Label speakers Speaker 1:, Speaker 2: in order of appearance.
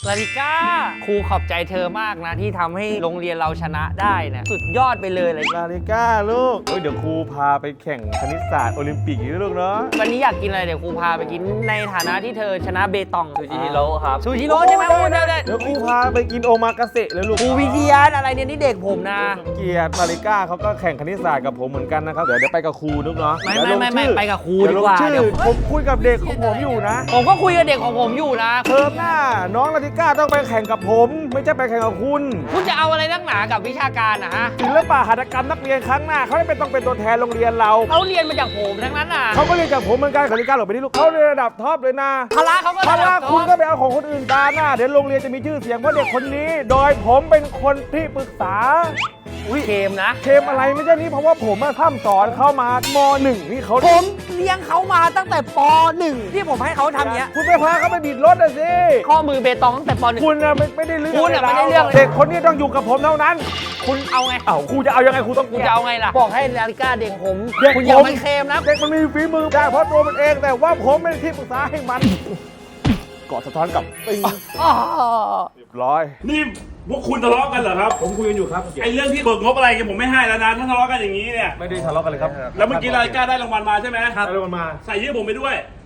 Speaker 1: ลาลิก้าครูขอบใจเธอมากนะที่ทำให้โรงเรียนเราชนะได้นะสุดยอดไปเลย
Speaker 2: ลาลิก้าลูกเดี๋ยวครูพาไปแข่งคณิตศาสตร์โอลิมปิกนะลูกเนาะ
Speaker 1: วันนี้อยากกินอะไรเดี๋ยวครูพาไปกินในฐานะที่เธอชนะเบตอง
Speaker 3: ซูชิฮิโร่ครับ
Speaker 1: ซูชิโร่ใช่ไหมโอ้ได้
Speaker 2: เดี๋ยวครูพาไปกินโอมากาเสะเลยลูก
Speaker 1: ครูวิทยาอะไรเนี่ยนี่เด็กผมนะ
Speaker 2: เกียรติลาลิก้าเขาก็แข่งคณิตศาสตร์กับผมเหมือนกันนะครับเดี๋ยวไปกับครูลูกเนาะ
Speaker 1: ไม่ไปกับครู
Speaker 2: เดี๋
Speaker 1: ดี
Speaker 2: ยวล
Speaker 1: ก
Speaker 2: ง
Speaker 1: ว่า
Speaker 2: ชื่อ
Speaker 1: เดี๋ยว
Speaker 2: ผมคุยกับเด็กของผมอยู่นะ
Speaker 1: ผมก็คุยกับเด็กของผมอยู่นะ
Speaker 2: เทอมหน้าน้องลาลิก้าต้องไปแข่งกับผม ไม่ใช่ไปแข่งกับคุณ
Speaker 1: คุณจะเอาอะไรนักหนากับวิชาการนะฮะ
Speaker 2: ศิลปะหัตถกรรมนักเรียนครั้งหน้าเขาไม่เป็นต้องเป็นตัวแทนโรงเรียนเรา
Speaker 1: เขาเรียนมาจากผมทั้งนั้นน่ะ
Speaker 2: เขาก็เรียนจากผมเหมือนกันลาลิก้าหลบไปที่ลูกเขาเรียนระดับท็อปเลยนะ
Speaker 1: พละเขาก็
Speaker 2: ถ้าว่า
Speaker 1: ระดับ
Speaker 2: คุณ
Speaker 1: ท็
Speaker 2: ก็
Speaker 1: อป
Speaker 2: ไปเอาของคนอื่นตาหน้าเดี๋ยวโรงเรียนจะมีชื่อเสียงเพราะเด็กคนนี้ โดยผมเป็นคนที่ปรึกษา
Speaker 1: อุ้ยเกมนะ
Speaker 2: เทมอะไรไม่ใช่นี่เพราะว่าผมพร่ำสอนเข้ามามหนึ่งนี่เขา
Speaker 1: ผมเลี้ยงเขามาตั้งแต่ป .1 ที่ผมให้เขาทำเนี้ย
Speaker 2: คุณไปพาเขาไปบิดรถน่ะสิ
Speaker 1: ข้อมือเบตองตั้งแต่ป .1
Speaker 2: คุณน่ะไม่ได้เรื่อง
Speaker 1: คุณน่ะไม่ได้เรื่อง
Speaker 2: เด็กคนนี้ต้องอยู่กับผมเท่านั้น
Speaker 1: คุณเอาไง
Speaker 2: เอ้าครูจะเอายังไงครูต้อง
Speaker 1: คุณจะเอาไงล่ะ บอกให้ลาลิก้าเด็กผม
Speaker 2: เด็ก
Speaker 1: คุณอย่า
Speaker 2: ผม
Speaker 1: ไปเคลมนะ
Speaker 2: เด็กมันมีฝีมือได้เพราะตัวมันเองแต่ว่าผมเป็นที่ปรึกษาให้มันกอดสะท้อนกับปิง
Speaker 1: อ้อ
Speaker 2: เรียบร้อย
Speaker 4: นี่พวกคุณทะเลาะกันเหรอครับ
Speaker 2: ผมคุยกันอยู่ครับ
Speaker 4: ไอ้เรื่องที่เบิกงบอะไรกันผมไม่ให้แล้วนะถ้าทะเลาะกันอย่างนี้เนี่ย
Speaker 2: ไม่ได้ทะเลาะกันเลยครับ
Speaker 4: แล้วเมื่อกี้รายการได้รางวัลมาใช่ไหม
Speaker 2: ครับเอาลงมา
Speaker 4: ใส่ชื่อผมไปด้วย